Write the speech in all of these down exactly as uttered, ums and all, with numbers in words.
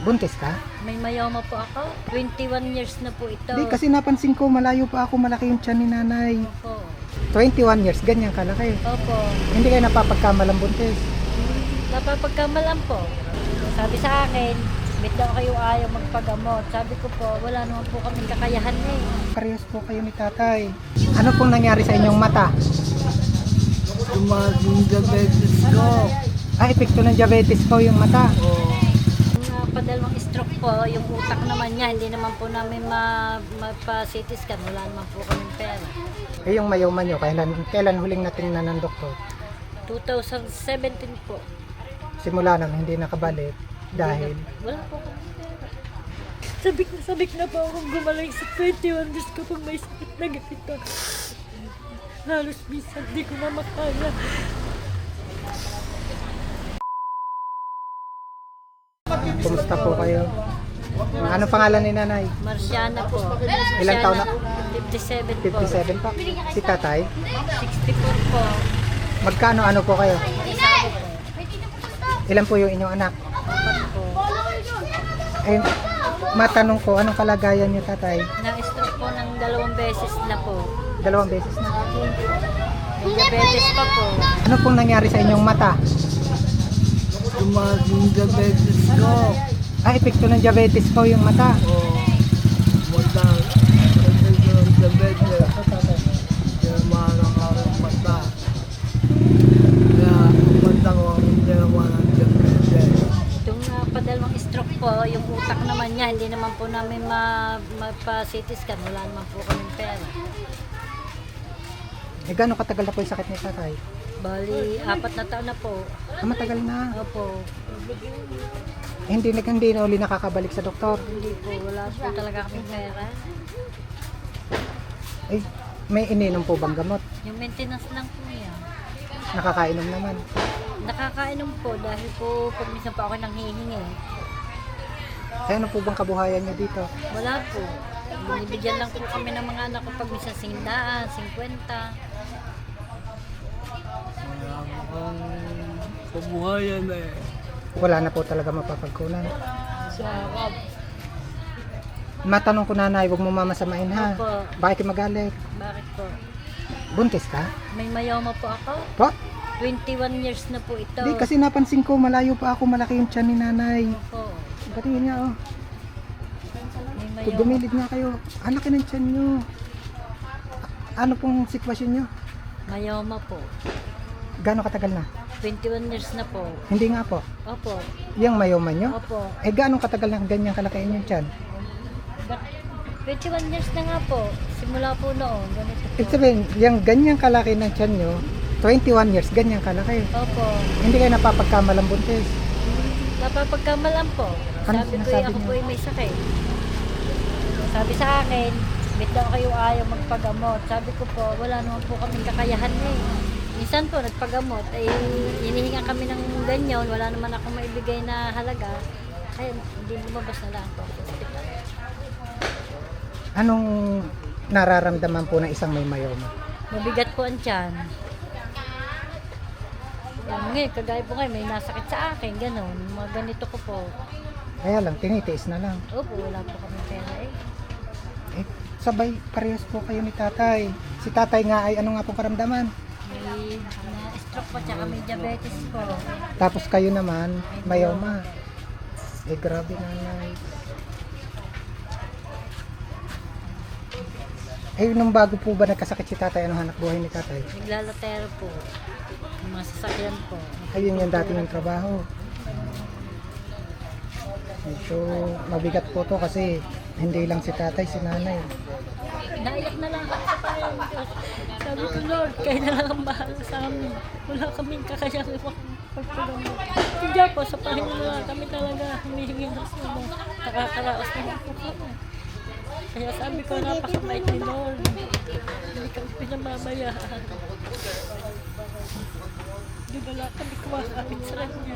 Buntis ka? May mayoma po ako. twenty-one years na po ito. Di, kasi napansin ko malayo pa ako, malaki yung tiyan ni nanay. Opo. twenty-one years, ganyan kalaki. Opo. Hindi kayo napapagkamalang buntis. Napapagkamalan po. Sabi sa akin, bit daw kayo ayaw magpagamot. Sabi ko po, wala naman po kaming kakayahan eh. Parehas po kayo ni tatay. Ano pong nangyari sa inyong mata? Tumaas yung diabetes ko. Ah, epekto ng diabetes ko yung mata. Oo. Yung padalawang stroke po, yung utak naman niya, hindi naman po namin ma mapa-C T scan. Wala naman po kaming pera. Eh yung mayoma nyo, kailan, kailan huling natingnan ng doktor? twenty seventeen po. Simula nang hindi nakabalik dahil Wala po kaming pera. Sabik na sabik na po akong gumaling sa twenty-one days ko pag may sakit na ganito. Halos minsan di ko na makaya. kumusta po kayo? Ano pangalan ni nanay? Marciana po. Ilang taon na? fifty-seven po. fifty-seven pa. Si tatay? sixty-four po. Magkano ano po kayo? Isa po. Ilan po yung inyong anak? Apat po. Eh, matanong ko, anong kalagayan niyo tatay? Na-stroke po ng dalawang beses na po. Dalawang beses na. May diabetes pa po. Ano pong nangyari sa inyong mata? Tumaas yung diabetes ko. Ah, epekto ng diabetes ko yung mata. Oo. Mata. Epekto ng diabetes. Kaya maharang ang mata. Kaya ang mata ko ang ginawa ng diabetes. Itong uh, padalawang stroke po, yung utak naman niya, hindi naman po namin ma mapa-C T scan. Wala naman po kaming pera. Eh, gano'ng katagal na po yung sakit ni tatay? Bali, apat na taon na po. Ah, matagal na. Opo. Eh, hindi, na- hindi na uli nakakabalik sa doktor. Hindi po, wala po talaga kaming pera. Eh, may ininom po bang gamot? Yung maintenance lang po yan. Nakakainom naman. Nakakainom po dahil po pag minsan po ako nanghihingi. Eh, ano po bang kabuhayan niyo dito? Wala po. Binibigyan lang po kami ng mga anak ko pag minsan singdaan, singkwenta. Kaya ang kabuhayan eh. Wala na po talaga mapapagkunan. Sarap. Matanong ko nanay, huwag mo mamasamain ha. Opo. Bakit magalit? Bakit po? Buntis ka? May mayoma po ako. Po? twenty-one years na po ito. Di, kasi napansin ko malayo pa ako, malaki yung tiyan ni nanay. Po. Pati yun nga oh. May Kung mayoma. gumilid nga kayo, ang laki ng tiyan nyo. Ano pong sitwasyon nyo? Mayoma po. Gano'ng katagal na? twenty-one years na po. Hindi nga po. Opo. Yung mayoman nyo? Opo. Eh, gano'ng katagal na ganyan kalaki yung tiyan? twenty-one years na nga po. Simula po noon. Ganito po. Ibig sabihin, yung ganyan kalaki ng tiyan nyo, twenty-one years, ganyan kalaki. Opo. Hindi kayo napapagkamalang buntis. Napapagkamalan po. Ano Sabi ko sinasabi ako niyo? po ay may sakit. Sabi sa akin, bit daw kayo ayaw magpagamot. Sabi ko po, wala naman po kaming kakayahan eh. Minsan po, nagpagamot, ay hinihinga kami ng ganyan, wala naman ako maibigay na halaga. Kaya hindi lumabas na lang po. Anong nararamdaman po ng isang may mayoma? Mabigat po ang tiyan. Yan, ngayon, kagaya po ngayon, may nasakit sa akin, gano'n. Mga ganito ko po. Kaya lang, tinitiis na lang. Opo, wala po kami pera eh. Eh, sabay, parehas po kayo ni tatay. Si tatay nga ay ano nga pong karamdaman? May na-stroke po, tsaka may diabetes po. Tapos kayo naman, mayoma. Eh, grabe nanay. Eh, nung bago po ba nagkasakit si tatay, anong hanap buhay ni tatay? Naglalatero po. Yung mga sasakyan po. Ayun yung dati ng trabaho. Medyo mabigat po to kasi hindi lang si tatay, si nanay. Naiyak na lang ako sa Panginoon Diyos. Sabi ko, Lord, kayo na lang ang bahala sa amin. Wala kaming kakayang pagpagamot. Hindi po, sa Panginoon na lang kami talaga humihingi ng sumo. Nakakaraos na lang po kami. Kaya sabi ko, napakabait ni Lord. Hindi kami pinamamayaan. Hindi wala kami kumakapit sa kanya.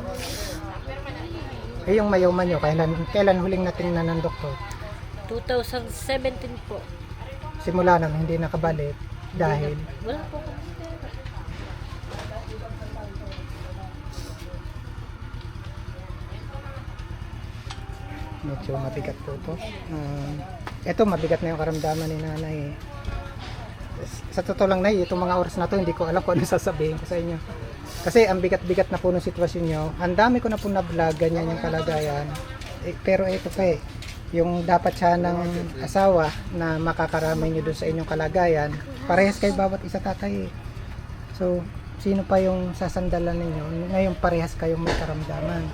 Eh, yung mayoma nyo, kailan, kailan huling natingnan ng doktor? twenty seventeen po. Simula nang hindi nakabalik dahil Wala po kami pera. Medyo mabigat po ito. Uh, ito, mabigat na yung karamdaman ni nanay. Eh. Sa totoo lang, nay, itong mga oras na to, hindi ko alam kung ano sasabihin ko sa inyo. Kasi ang bigat-bigat na po ng sitwasyon nyo. Ang dami ko na po na-vlog, ganyan yung kalagayan. Eh, pero ito pa eh, yung dapat siya ng asawa na makakaramay nyo dun sa inyong kalagayan, parehas kayo bawat isa tatay eh. So, sino pa yung sasandalan ninyo? Ngayon parehas kayong may karamdaman.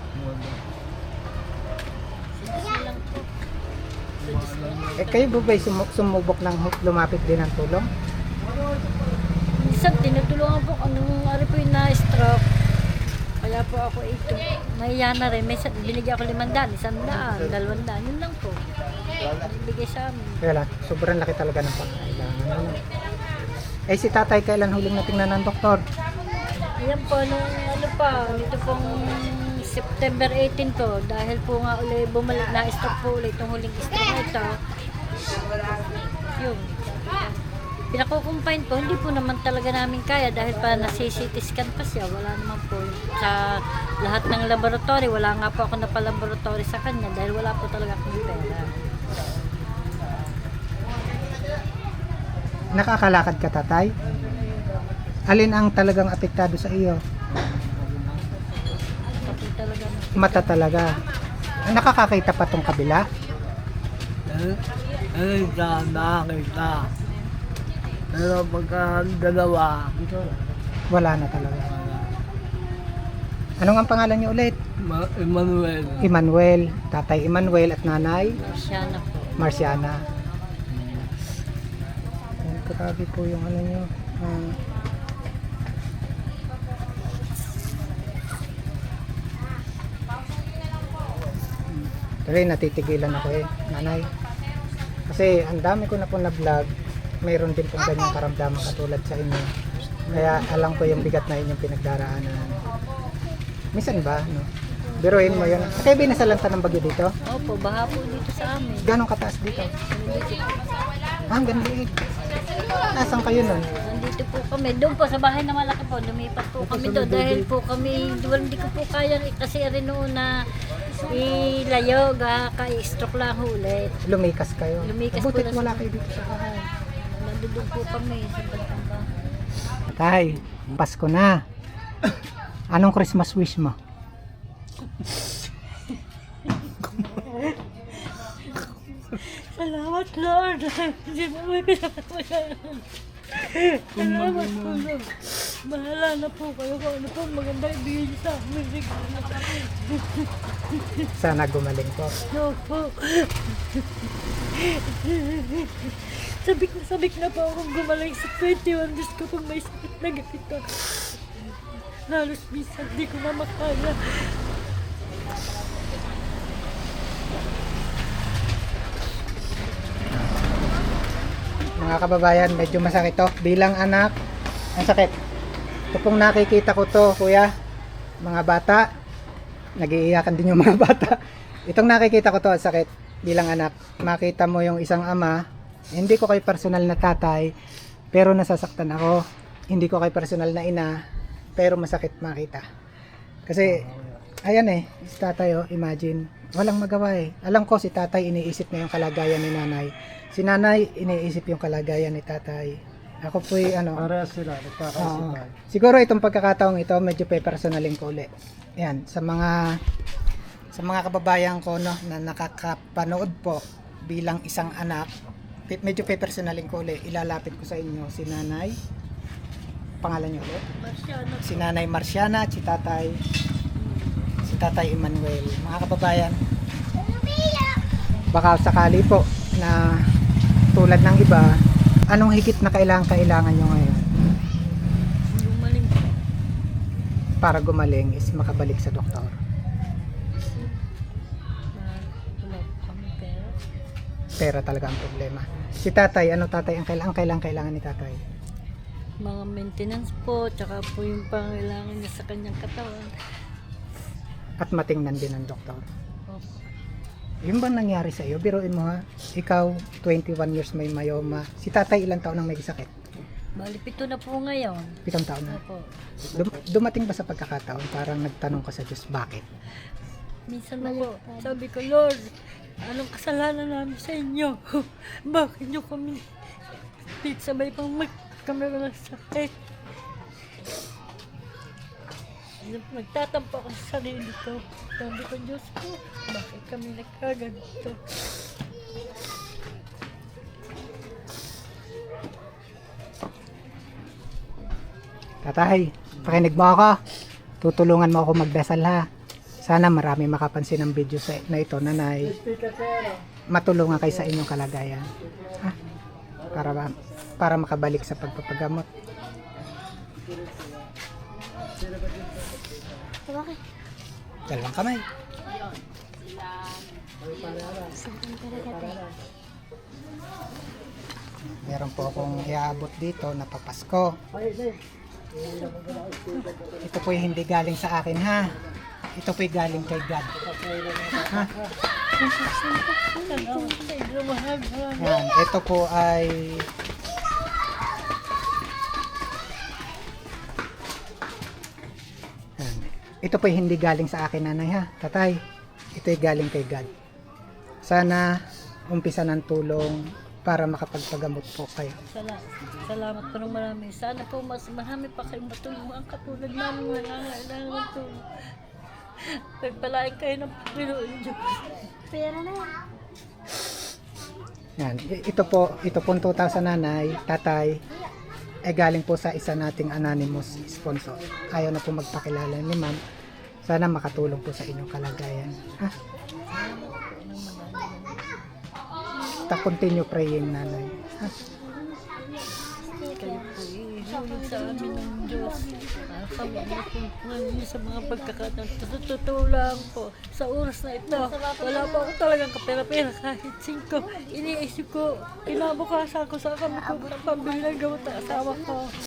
Eh kayo ba ba'y sumu- sumubok ng hu- lumapit din ng tulong? Minsan tinutulungan po anong ari po yung na-stroke. Kaya po ako ito. Mahiya na rin. May sa- binigyan ako limandaan, isang daan, dalawang daan. Yun lang po. Bigay sa amin. Kaya lang, sobrang laki talaga ng pangailangan. Ano? Eh si tatay kailan huling natingnan ng doktor? Ayan po, nung ano pa, dito pong September eighteen po, dahil po nga ulit bumalik na stroke po ulit itong huling stroke na ito. Yun. Pinakukumpine po, hindi po naman talaga namin kaya dahil pa nasi-C T scan pa siya, wala naman po. Sa lahat ng laboratory, wala nga po ako napalaboratory sa kanya dahil wala po talaga akong pera. Nakakalakad ka tatay? Alin ang talagang apektado sa iyo? Kasi talaga Mata talaga. Nakakakita pa tong kabila? Eh, eh, ka, nakakita. Pero pagka dalawa, Wala na talaga. Anong ang pangalan niyo ulit? Ma- Emmanuel. Emmanuel, tatay Emmanuel at nanay siya na po. Marciana. Ayan, grabe po yung ano nyo. Ah, Tuloy, natitigilan ako eh, nanay. Kasi ang dami ko na po na vlog, mayroon din pong ganyang karamdaman katulad sa inyo. Kaya alam ko yung bigat na inyong pinagdaraanan. Minsan ba, no? Biruin mo yun. Kaya binasalanta ng bagyo dito? Opo, baha po dito sa amin. Ganong kataas dito? Nandito, Ah, hanggang liig. Nasaan kayo nun? nandito po kami. Doon po sa bahay na malaki po, lumipat po kami doon dahil po kami, duwal hindi ko po kaya kasi rin noon na ilayo, ga, ka-stroke lang ulit. Lumikas kayo. Lumikas po Butit na- wala kayo dito sa bahay. Nandun po kami sa bandang bahay. Tay, Pasko na. Anong Christmas wish mo? Salamat Lord! Hindi mo may pinapasalamat. Salamat po Lord. Bahala na po kayo kung ano po maganda ibigay niyo sa amin. Sana gumaling ko. No po. Sabik na sabik na po akong gumaling sa twenty-one days ko kung may sakit na ganito. Halos minsan di ko na makaya. Mga kababayan, medyo masakit to. Bilang anak, ang sakit. Ito pong nakikita ko to, kuya. Mga bata, nag-iiyakan din yung mga bata. Itong nakikita ko to, ang sakit. Bilang anak, makita mo yung isang ama, hindi ko kay personal na tatay, pero nasasaktan ako. Hindi ko kay personal na ina, pero masakit makita. Kasi, ayan eh, si tatay oh, imagine, walang magawa eh. Alam ko si tatay iniisip na yung kalagayan ni nanay. Si nanay iniisip yung kalagayan ni tatay. Ako po ano, Parehas sila, nagkakaisip oo. tayo. Siguro itong pagkakataong ito, medyo pe-personalin ko ulit. Yan, sa mga sa mga kababayan ko no, na nakakapanood po bilang isang anak, pe- medyo pe-personalin ko ulit. Ilalapit ko sa inyo si nanay. Pangalan niyo ulit? Marciano. Si nanay Marciana at si tatay si tatay Emmanuel. Mga kababayan, baka sakali po na tulad ng iba, anong higit na kailangan kailangan nyo ngayon Gumaling po. para gumaling is makabalik sa doktor? Na wala po kami pera. Pera talaga ang problema. Si tatay, ano tatay ang kailangan kailangan kailangan ni tatay? Mga maintenance po, tsaka po yung pangailangan niya sa kanyang katawan. At matingnan din ang doktor. Opo. Yung bang nangyari sa iyo? Biruin mo ha. Ikaw, twenty-one years may myoma. Si tatay ilang taon nang may sakit? Bali, pito na po ngayon. Pitong taon na. Opo. Dum- dumating ba sa pagkakataon parang nagtanong ka sa Diyos bakit? Minsan ako, sabi ko, Lord, anong kasalanan namin sa inyo? Bakit nyo kami pit sabay pang magkamera ng sakit? Nagtatampo ako sa sarili ko. Sabi ko, Diyos ko, bakit kami nagkaganito? Tatay, pakinig mo ako. Tutulungan mo ako magdasal ha. Sana marami makapansin ng video sa, na ito, nanay. Matulungan kayo sa inyong kalagayan. Ha? Para, ba- para makabalik sa pagpapagamot. Bakit? Dalawang kamay. Meron po akong iaabot dito na papasko. Ito po hindi galing sa akin ha. Ito po galing kay God. Ha? Salamat sa inyo, mahal. Yan. Ito po ay Yan. Ito po hindi galing sa akin, nanay ha. Tatay, ito ay galing kay God. Sana umpisa ng tulong para makapagpagamot po kayo. Salamat. Salamat po ng marami. Sana po mas marami pa kayong matulungan katulad namin nangangailangan ng tulong. Nagpalain kayo ng Panginoon Diyos. Pera na yan. Yan. I- Ito po, ito po two thousand nanay, tatay, ay galing po sa isa nating anonymous sponsor. Ayaw na po magpakilala ni ma'am. Sana makatulong po sa inyong kalagayan. Ha? Ta continue praying, nanay. Ha? Kayo po ihulog sa amin ng Diyos. Para kami matulungan niyo sa mga pagkakataon. Sa totoo lang po, sa oras na ito, wala pa ako talagang kapera-pera kahit singko. Iniisip ko, kinabukasan ko sa kami ko pambili ng gamot ng asawa ko.